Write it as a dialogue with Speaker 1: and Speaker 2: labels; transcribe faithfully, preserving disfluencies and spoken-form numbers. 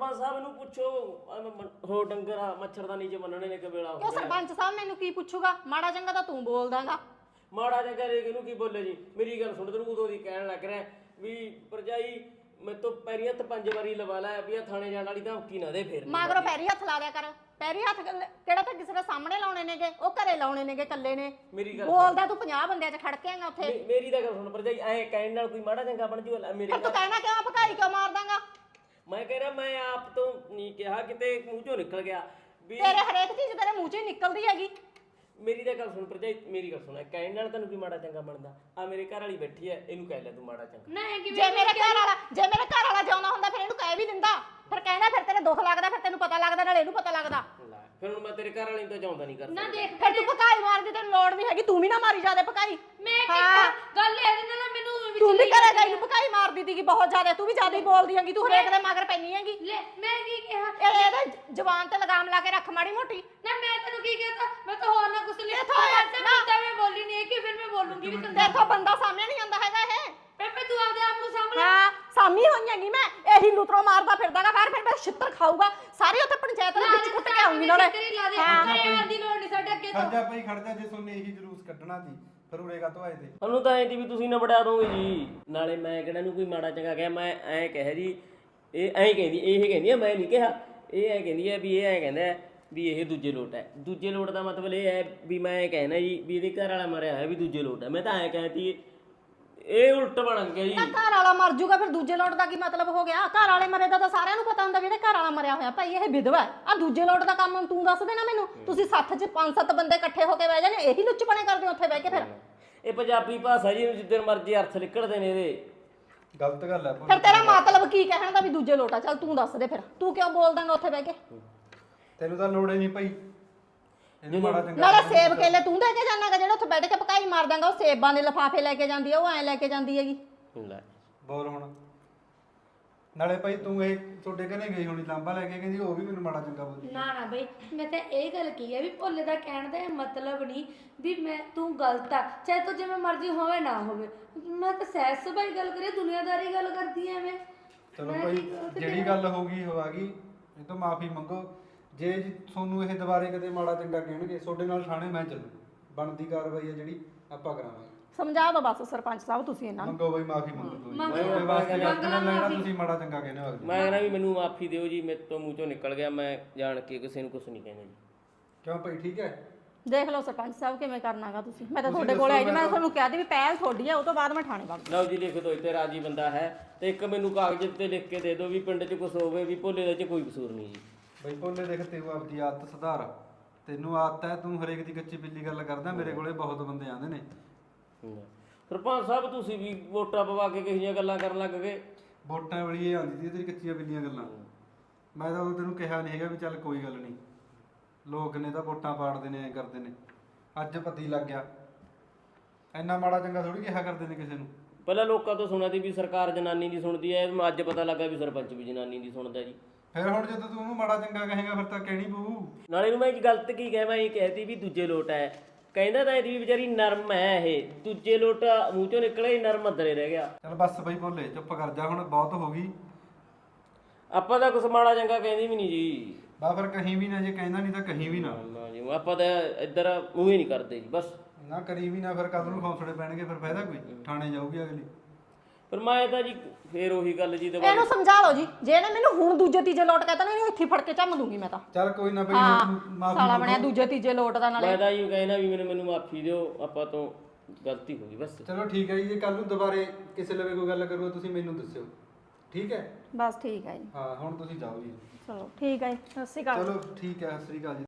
Speaker 1: ਸਰਪੰਚ ਸਾਹਿਬ ਨੂੰ ਪੁੱਛੋ ਹੋ ਡੰਗਰ ਮੱਛਰਦਾਨੀ ਚ ਬੰਨਣੇ ਨੇ ਕਿ ਵੇਲਾ
Speaker 2: ਕਿਉਂ ਸਰਪੰਚ ਸਾਹਿਬ ਮੈਨੂੰ ਕੀ ਪੁੱਛੂਗਾ? ਮਾੜਾ ਚੰਗਾ ਤਾਂ ਤੂੰ ਬੋਲਦਾਗਾ।
Speaker 1: ਮਾੜਾ ਚੰਗਾ ਰੇ ਇਹਨੂੰ ਕੀ ਬੋਲੇ ਜੀ? ਮੇਰੀ ਗੱਲ ਸੁਣ, ਤੈਨੂੰ ਉਦੋਂ ਦੀ ਕਹਿਣ ਲੱਗ ਰਿਹਾ ਵੀ ਭਰਜਾਈ ਮੈਂ ਤੋਂ ਪੈਰੀ ਹੱਥ ਪੰਜ ਵਾਰੀ ਲਵਾ ਲਿਆ ਵੀ ਆ ਥਾਣੇ ਜਾਣ ਵਾਲੀ ਧਮਕੀ ਨਾ ਦੇ। ਫਿਰ
Speaker 2: ਮਗਰੋਂ ਪੈਰੀ ਹੱਥ ਲਾ ਲਿਆ ਕਰ। ਪੈਰੀ ਹੱਥ ਕਿਹੜਾ ਤਾਂ ਕਿਸੇ ਦੇ ਸਾਹਮਣੇ ਲਾਉਣੇ ਨੇਗੇ, ਉਹ ਘਰੇ ਲਾਉਣੇ ਨੇਗੇ ਕੱਲੇ ਨੇ।
Speaker 1: ਮੇਰੀ ਗੱਲ
Speaker 2: ਬੋਲਦਾ ਤੂੰ ਪੰਜਾਹ ਬੰਦਿਆਂ 'ਚ ਖੜ ਕੇ ਆਂਗਾ ਉੱਥੇ।
Speaker 1: ਮੇਰੀ ਤਾਂ ਗੱਲ ਸੁਣ ਭਰਜਾਈ, ਐ ਕਹਿਣ ਨਾਲ ਕੋਈ ਮਾੜਾ ਚੰਗਾ ਬਣ ਜੂ? ਮੇਰੇ
Speaker 2: ਤੂੰ ਕਹਿਣਾ ਕਿਉਂ ਭਕਾਈ ਕਿਉਂ ਮਾਰ ਦਾਂਗਾ?
Speaker 1: ਮੈਂ ਕਹਿ ਰਿਹਾ ਮੈਂ ਆਪ ਤੋਂ ਨਹੀਂ ਕਿਹਾ, ਕਿਤੇ ਮੂੰਹ ਚੋਂ ਨਿਕਲ ਗਿਆ ਵੀ
Speaker 2: ਤੇਰੇ ਹਰੇਕ ਚੀਜ਼ ਤੇਰੇ ਮੂੰਹ 'ਚ ਹੀ ਨਿਕਲਦੀ ਹੈਗੀ।
Speaker 1: ਮੇਰੀ ਤਾਂ ਗੱਲ ਸੁਣ ਭਰਜਾਈ, ਮੇਰੀ ਗੱਲ ਸੁਣ, ਕਹਿਣ ਨਾਲ ਤੈਨੂੰ ਕੀ ਮਾੜਾ ਚੰਗਾ ਬਣਦਾ? ਆ ਮੇਰੇ ਘਰ ਵਾਲੀ ਬੈਠੀ ਐ, ਇਹਨੂੰ ਕਹਿ ਲੈ ਤੂੰ ਮਾੜਾ ਚੰਗਾ।
Speaker 2: ਜੇ ਮੇਰੇ ਘਰ ਵਾਲਾ ਜੇ ਮੇਰੇ ਘਰ ਵਾਲਾ ਜਿਉਂਦਾ ਹੁੰਦਾ ਫਿਰ ਇਹਨੂੰ ਕਹਿ ਵੀ ਦਿੰਦਾ। ਫਿਰ ਕਹਿੰਦਾ ਫਿਰ ਤੇਰੇ ਦੁੱਖ ਲੱਗਦਾ, ਫਿਰ ਤੈਨੂੰ ਪਤਾ ਲੱਗਦਾ, ਨਾਲ ਇਹਨੂੰ ਪਤਾ ਲੱਗਦਾ।
Speaker 1: ਫਿਰ ਹੁਣ ਮੈਂ ਤੇਰੇ ਘਰ ਵਾਲੀ ਤੋਂ ਚਾਹੁੰਦਾ ਨਹੀਂ ਕਰਦਾ।
Speaker 2: ਨਾ ਦੇਖ ਫਿਰ ਤੂੰ ਭਕਾਈ ਮਾਰਦੀ, ਤੈਨੂੰ ਲੋੜ ਨਹੀਂ ਹੈਗੀ। ਤੂੰ ਵੀ ਨਾ ਮਾਰੀ ਜਾਦੇ ਭਕਾਈ।
Speaker 3: ਮੈਂ ਕਿਹਾ ਗੱਲ ਇਹਦੇ ਨਾਲ ਮੈਨੂੰ
Speaker 2: ਤੂੰ ਵੀ ਘਰੇ ਗਈ ਨੂੰ ਭਕਾਈ ਮਾਰਦੀ ਸੀਗੀ ਬਹੁਤ ਜ਼ਿਆਦਾ। ਤੂੰ ਵੀ ਜ਼ਿਆਦਾ ਹੀ ਬੋਲਦੀ ਹੈਗੀ, ਤੂੰ ਹਰੇਕ ਦੇ ਮਗਰ ਪੈਣੀ ਹੈਗੀ।
Speaker 3: ਲੈ ਮੈਂ ਕੀ ਕਿਹਾ?
Speaker 2: ਇਹ ਇਹਦੇ ਜ਼ਬਾਨ ਤੇ ਲਗਾਮ ਲਾ ਕੇ ਰੱਖ ਮਾੜੀ ਮੋਟੀ।
Speaker 3: ਨਾ ਮੈਂ ਤੈਨੂੰ ਕੀ ਕਹਤਾ? ਮੈਂ ਤਾਂ ਹੋਰ ਨਾ ਕੁਛ ਲਿਆ
Speaker 2: ਇੱਥੋਂ ਆ,
Speaker 3: ਤੇ ਮੈਂ ਤਾਂ ਮੈਂ ਬੋਲੀ ਨਹੀਂ ਕਿ ਫਿਰ ਮੈਂ ਬੋਲੂੰਗੀ ਵੀ ਤੈਨੂੰ।
Speaker 2: ਦੇਖੋ ਬੰਦਾ ਸਾਹਮਣੇ ਨਹੀਂ ਆਉਂਦਾ ਹੈਗਾ ਇਹ।
Speaker 3: ਬੇਬੇ ਤੂੰ ਆਪਦੇ ਆਪ ਨੂੰ ਸਾਹਮਣੇ
Speaker 2: ਹਾਂ ਸਾਮੀ ਹੋਈ ਹੈਗੀ ਮੈਂ। ਇਹੀ ਲੁਤਰੋ ਮਾਰਦਾ ਫਿਰਦਾਗਾ ਬਾਹਰ, ਫਿਰ ਮੈਂ ਛਿੱਤਰ ਖਾਊਗਾ ਸਾਰੇ ਉੱਥੇ ਪੰਚਾਇਤ ਦੇ ਵਿੱਚ ਕੁੱਟ ਕੇ ਆਉਂਗੀ ਨਾਲੇ।
Speaker 3: ਹਾਂ ਦੀ ਲੋੜ ਨਹੀਂ ਸਾਡੇ ਅੱਗੇ ਤੋਂ।
Speaker 4: ਖਰਚਾ ਪਈ ਖੜਦਾ ਜੇ ਸੋਨੇ ਇਹੀ ਜਲੂਸ ਕੱਢਣਾ ਸੀ ਫਿਰ ਉਰੇਗਾ ਤੋਂ ਆਏ ਤੇ
Speaker 1: ਉਹਨੂੰ ਤਾਂ ਐਂ ਦੀ ਵੀ ਤੁਸੀਂ ਨਾ ਵੜਾ ਦੋਗੇ ਜੀ। ਨਾਲੇ ਮੈਂ ਕਿਹੜਾ ਨੂੰ ਕੋਈ ਮਾੜਾ ਚੰਗਾ ਕਿਹਾ? ਮੈਂ ਐਂ ਕਹਿ ਜੀ ਇਹ ਐਂ ਕਹਿੰਦੀ, ਇਹ ਕਹਿੰਦੀ ਆ ਮੈਂ ਨਹੀਂ ਕਿਹਾ। ਇਹ ਐਂ ਕਹਿੰਦੀ ਆ ਵੀ ਇਹ ਐਂ ਕਹਿੰਦਾ ਵੀ ਇਹ ਦੂਜੇ ਲੋਟ ਹੈ। ਦੂਜੇ ਲੋਟ ਦਾ ਮਤਲਬ ਇਹ ਹੈ ਵੀ ਮੈਂ ਇਹ ਕਹਿਣਾ ਜੀ ਵੀ ਇਹਦੇ ਘਰ ਵਾਲਾ ਮਰਿਆ ਹੋਇਆ ਵੀ ਦੂਜੇ ਲੋਟ ਹੈ। ਮੈਂ ਤਾਂ ਐਂ ਕਹਿਤੀ, ਇਹ ਉਲਟ ਬਣ ਗਿਆ ਜੀ।
Speaker 2: ਘਰ ਵਾਲਾ ਮਰ ਜੂਗਾ ਫਿਰ ਦੂਜੇ ਲੋਟ ਦਾ ਕੀ ਮਤਲਬ ਹੋ ਗਿਆ? ਘਰ ਵਾਲੇ ਮਰੇ ਦਾ ਤਾਂ ਸਾਰਿਆਂ ਨੂੰ ਪਤਾ ਹੁੰਦਾ ਵੀ ਇਹਦੇ ਘਰ ਵਾਲਾ ਮਰਿਆ ਹੋਇਆ। ਭਾਈ ਇਹ ਵਿਧਵਾ ਹੈ। ਆ ਦੂਜੇ ਲੋਟ ਦਾ ਕੰਮ ਤੂੰ ਦੱਸ ਦੇਣਾ ਮੈਨੂੰ। ਤੁਸੀਂ ਸੱਥ 'ਚ ਪੰਜ ਸੱਤ ਬੰਦੇ ਇਕੱਠੇ ਹੋ ਕੇ ਬਹਿ ਜਾਂਦੇ, ਇਹੀ ਲੁੱਚਪਣੇ ਕਰਦੇ ਹੋ ਉੱਥੇ ਬਹਿ ਕੇ। ਫਿਰ
Speaker 1: ਇਹ ਪੰਜਾਬੀ ਭਾਸ਼ਾ ਜੀ, ਜਿੱਦਣ ਮਰਜ਼ੀ ਅਰਥ ਨਿਕਲਦੇ ਨੇ ਇਹਦੇ।
Speaker 4: ਗਲਤ ਗੱਲ ਹੈ।
Speaker 2: ਫਿਰ ਤੇਰਾ ਮਤਲਬ ਕੀ ਕਹਿਣ ਦਾ ਵੀ ਦੂਜੇ ਲੋਟਾ? ਚੱਲ ਤੂੰ ਦੱਸ ਦੇ ਫਿਰ, ਤੂੰ ਕਿਉਂ ਬੋਲ ਦਾਂਗਾ ਉੱਥੇ ਬਹਿ ਕੇ?
Speaker 4: ਤੈਨੂੰ ਤਾਂ ਲੋੜ ਹੀ ਨਹੀਂ ਪਈ ਇਹਨੂੰ ਮਾੜਾ ਚੰਗਾ।
Speaker 2: ਨਾਲੇ ਸੇਬ ਕੇਲੇ ਤੂੰ ਦੇ ਕੇ ਜਾਣਾਗਾ, ਜਿਹੜਾ ਉੱਥੇ ਬੈਠ ਕੇ ਪਕਾਈ ਮਾਰ ਦਾਂਗਾ। ਉਹ ਸੇਬਾਂ ਦੇ ਲਿਫਾਫੇ ਲੈ ਕੇ ਜਾਂਦੀ ਆ, ਉਹ ਐਂ ਲੈ ਕੇ ਜਾਂਦੀ ਹੈਗੀ।
Speaker 1: ਲੈ
Speaker 4: ਬੋਲ ਹੁਣ। ਨਾਲੇ ਭਾਈ ਤੂੰ ਇਹ ਤੁਹਾਡੇ ਘਰੇ ਗਈ ਹੋਣੀ ਲਾਂਬਾ ਲੈ ਕੇ, ਕਹਿੰਦੀ ਉਹ ਵੀ ਮੈਨੂੰ ਮਾੜਾ ਚੰਗਾ ਬੋਲੀ।
Speaker 3: ਨਾ ਨਾ ਬਈ ਮੈਂ ਤਾਂ ਇਹ ਗੱਲ ਕੀ ਹੈ ਵੀ ਭੋਲੇ ਦਾ ਕਹਿਣ ਦਾ ਮਤਲਬ ਨਹੀਂ ਵੀ ਮੈਂ ਤੂੰ ਗਲਤ ਆ, ਚਾਹੇ ਤੂੰ ਜਿਵੇਂ ਮਰਜ਼ੀ ਹੋਵੇ ਨਾ ਹੋਵੇ। ਮੈਂ ਤਾਂ ਸਹਿਜ ਸੁਭਾਈ ਗੱਲ ਕਰੀ, ਦੁਨੀਆਦਾਰੀ ਗੱਲ ਕਰਦੀ ਐ ਮੈਂ।
Speaker 4: ਚਲੋ ਭਾਈ ਜਿਹੜੀ ਗੱਲ ਹੋ ਗਈ ਹੋ ਆ ਗਈ, ਇਹ ਤੋਂ ਮਾਫੀ ਮੰਗੋ। ਜੇ ਤੁਹਾਨੂੰ ਇਹ ਦੁਬਾਰੇ ਕਦੇ ਮਾੜਾ ਚੰਗਾ ਕਹਿਣਗੇ ਤੁਹਾਡੇ ਨਾਲ ਥਾਣੇ ਮੈਂ ਚੱਲੂ। ਬਣਦੀ ਕਾਰਵਾਈ ਹੈ ਜਿਹੜੀ ਆਪਾਂ ਕਰਾਂਗੇ।
Speaker 2: ਸਮਝਾ ਦੋ ਬਸ ਸਰਪੰਚ ਸਾਹਿਬ ਤੁਸੀਂ ਇਹਨਾਂ ਨੂੰ।
Speaker 4: ਮੰਗੋ ਬਈ ਮਾਫੀ ਮੰਗੋ ਤੁਸੀਂ। ਤੁਹਾਡੇ ਵਾਸਤੇ ਗਲਤ ਨਾ ਲੈਣਾ, ਤੁਸੀਂ ਮਾੜਾ ਚੰਗਾ ਕਹਿੰਦੇ ਹੋ।
Speaker 1: ਮੈਂ ਕਹਿੰਦਾ ਵੀ ਮੈਨੂੰ ਮਾਫੀ ਦਿਓ ਜੀ, ਮੇਰੇ ਤੋਂ ਮੂੰਹ ਚੋਂ ਨਿਕਲ ਗਿਆ। ਮੈਂ ਜਾਣ ਕੇ ਕਿਸੇ ਨੂੰ ਕੁਝ ਨਹੀਂ ਕਹਿੰਦਾ ਜੀ।
Speaker 4: ਕਿਉਂ ਭਾਈ ਠੀਕ ਹੈ?
Speaker 2: ਦੇਖ ਲਓ ਸਰਪੰਚ ਸਾਹਿਬ ਕਿਵੇਂ ਕਰਨਾਗਾ ਤੁਸੀਂ। ਮੈਂ ਤਾਂ ਤੁਹਾਡੇ ਕੋਲ ਆਈ ਜੀ, ਮੈਂ ਤੁਹਾਨੂੰ ਕਿਹਾ ਸੀ ਵੀ ਪਹਿਲ ਤੁਹਾਡੀ ਹੈ, ਉਹ ਤੋਂ ਬਾਅਦ ਮੈਂ ਥਾਣੇ ਵਗ।
Speaker 1: ਲਓ ਜੀ ਲਿਖ ਦੋ, ਇੱਥੇ ਰਾਜੀ ਬੰਦਾ ਹੈ। ਤੇ ਇੱਕ ਮੈਨੂੰ ਕਾਗਜ਼ ਤੇ ਲਿਖ ਕੇ ਦੇ ਦਿਓ ਵੀ ਪਿੰਡ 'ਚ ਕੁਝ ਹੋਵੇ ਵੀ ਭੋਲੇ ਦੇ 'ਚ ਕੋਈ ਕਸੂਰ ਨਹੀਂ ਜੀ।
Speaker 4: ਬਈ ਭੋਲੇ ਦੇਖ ਤੂੰ ਆਪਦੀ ਆਦਤ ਸੁਧਾਰ। ਤੈਨੂੰ ਆਦਤ ਹੈ ਤੂੰ ਹਰੇਕ ਦੀ ਕੱਚੀ ਬਿੱਲੀ ਗੱਲ ਕਰਦਾ। ਮੇਰੇ ਕੋਲੇ ਬਹੁਤ ਬੰਦੇ ਆਉਂਦੇ ਨੇ।
Speaker 1: ਸਰਪੰਚ ਸਾਹਿਬ ਤੁਸੀਂ ਵੀ ਵੋਟਾਂ ਪਵਾ ਕੇ ਕਿਹੋ ਜਿਹੀਆਂ ਗੱਲਾਂ ਕਰਨ ਲੱਗ ਗਏ?
Speaker 4: ਵੋਟਾਂ ਵਾਲੀ ਇਹ ਆਉਂਦੀ ਸੀ ਤੇਰੀ ਕੱਚੀਆਂ ਬਿੱਲੀਆਂ ਗੱਲਾਂ। ਮੈਂ ਤਾਂ ਉਹ ਤੈਨੂੰ ਕਿਹਾ ਨਹੀਂ ਹੈਗਾ ਵੀ ਚੱਲ ਕੋਈ ਗੱਲ ਨਹੀਂ, ਲੋਕ ਨੇ ਤਾਂ ਵੋਟਾਂ ਪਾੜਦੇ ਨੇ, ਐ ਕਰਦੇ ਨੇ। ਅੱਜ ਪਤੀ ਲੱਗ ਗਿਆ। ਇੰਨਾ ਮਾੜਾ ਚੰਗਾ ਥੋੜੀ ਕਿਹਾ ਕਰਦੇ ਨੇ ਕਿਸੇ ਨੂੰ।
Speaker 1: ਪਹਿਲਾਂ ਲੋਕਾਂ ਤੋਂ ਸੁਣਿਆ ਸੀ ਵੀ ਸਰਕਾਰ ਜਨਾਨੀ ਦੀ ਸੁਣਦੀ ਹੈ, ਅੱਜ ਪਤਾ ਲੱਗਾ ਵੀ ਸਰਪੰਚ ਵੀ ਜਨਾਨੀ ਦੀ ਸੁਣਦਾ ਜੀ।
Speaker 4: ਫਿਰ ਹੁਣ ਜਦੋਂ ਤੂੰ ਉਹਨੂੰ ਮਾੜਾ ਚੰਗਾ ਕਹੇਗਾ ਫਿਰ ਤਾਂ ਕਹਿਣੀ ਪਊ।
Speaker 1: ਨਾਲੇ ਨੂੰ ਮੈਂ ਇੱਕ ਗਲਤ ਕੀ ਕਹਿ, ਮੈਂ ਇਹ ਕਹਿਤੀ ਵੀ ਦੂਜੇ ਲੋਟ ਹੈ। ਕਹਿੰਦਾ ਤਾਂ ਇਹਦੀ ਵੀ ਵਿਚਾਰੀ ਨਰਮ ਹੈ, ਇਹ ਦੂਜੇ ਲੋਟ ਮੂੰਹ ਚੋਂ ਨਿਕਲੇ ਨਰਮ ਅੰਦਰੇ ਰਹਿ ਗਿਆ।
Speaker 4: ਚੱਲ ਬਸ ਬਈ ਭੋਲੇ ਚੁੱਪ ਕਰ ਜਾ, ਹੁਣ ਬਹੁਤ ਹੋ ਗਈ।
Speaker 1: ਆਪਾਂ ਤਾਂ ਕੁਛ ਮਾੜਾ ਚੰਗਾ ਕਹਿੰਦੀ ਵੀ ਨਹੀਂ ਜੀ।
Speaker 4: ਬਾ ਫਿਰ ਕਹੀਂ ਵੀ ਨਾ, ਜੇ ਕਹਿੰਦਾ ਨਹੀਂ ਤਾਂ ਕਹੀਂ ਵੀ ਨਾ।
Speaker 1: ਨਾ ਜੀ ਆਪਾਂ ਤਾਂ ਇੱਧਰ ਮੂੰਹ ਹੀ ਨਹੀਂ ਕਰਦੇ ਜੀ ਬਸ।
Speaker 4: ਨਾ ਕਰੀ ਵੀ ਨਾ, ਫਿਰ ਕਦ ਨੂੰ ਖੌਸੜੇ ਪੈਣਗੇ, ਫਿਰ ਫਾਇਦਾ ਕੋਈ? ਥਾਣੇ ਜਾਊਗੀ ਅਗਲੀ।
Speaker 1: ਪਰ ਮੈਂ ਤਾਂ ਜੀ ਫੇਰ ਉਹੀ ਗੱਲ ਜੀ ਦੁਬਾਰਾ।
Speaker 2: ਇਹਨੂੰ ਸਮਝਾ ਲਓ ਜੀ, ਜੇ ਇਹਨੇ ਮੈਨੂੰ ਹੁਣ ਦੂਜੇ ਤੀਜੇ ਲੋਟ ਕਹਿੰਦਾ ਨਾ, ਇਹਨੂੰ ਇੱਥੇ ਫੜ ਕੇ ਝੰਮ ਦੂੰਗੀ ਮੈਂ ਤਾਂ।
Speaker 4: ਚੱਲ ਕੋਈ ਨਾ ਬਈ ਮਾਫੀ
Speaker 2: ਸਾਲਾ ਬਣਿਆ ਦੂਜੇ ਤੀਜੇ ਲੋਟ ਦਾ। ਨਾਲੇ
Speaker 1: ਮੈਂ ਤਾਂ ਜੀ ਕਹਿਣਾ ਵੀ ਮੈਨੂੰ ਮੈਨੂੰ ਮਾਫੀ ਦਿਓ, ਆਪਾਂ ਤੋਂ ਗਲਤੀ ਹੋ ਗਈ ਬਸ।
Speaker 4: ਚਲੋ ਠੀਕ ਹੈ ਜੀ। ਜੇ ਕੱਲ ਨੂੰ ਦੁਬਾਰੇ ਕਿਸੇ ਲਵੇ ਕੋਈ ਗੱਲ ਕਰੂਗਾ ਤੁਸੀਂ ਮੈਨੂੰ ਦੱਸਿਓ, ਠੀਕ ਹੈ?
Speaker 2: ਬਸ ਠੀਕ ਹੈ ਜੀ।
Speaker 4: ਹਾਂ ਹੁਣ ਤੁਸੀਂ ਜਾਓ ਜੀ।
Speaker 2: ਚਲੋ ਠੀਕ ਹੈ ਜੀ, ਸਤਿ ਸ਼੍ਰੀ ਅਕਾਲ।
Speaker 4: ਚਲੋ ਠੀਕ ਹੈ, ਸਤਿ ਸ੍ਰੀ ਅਕਾਲ ਜੀ।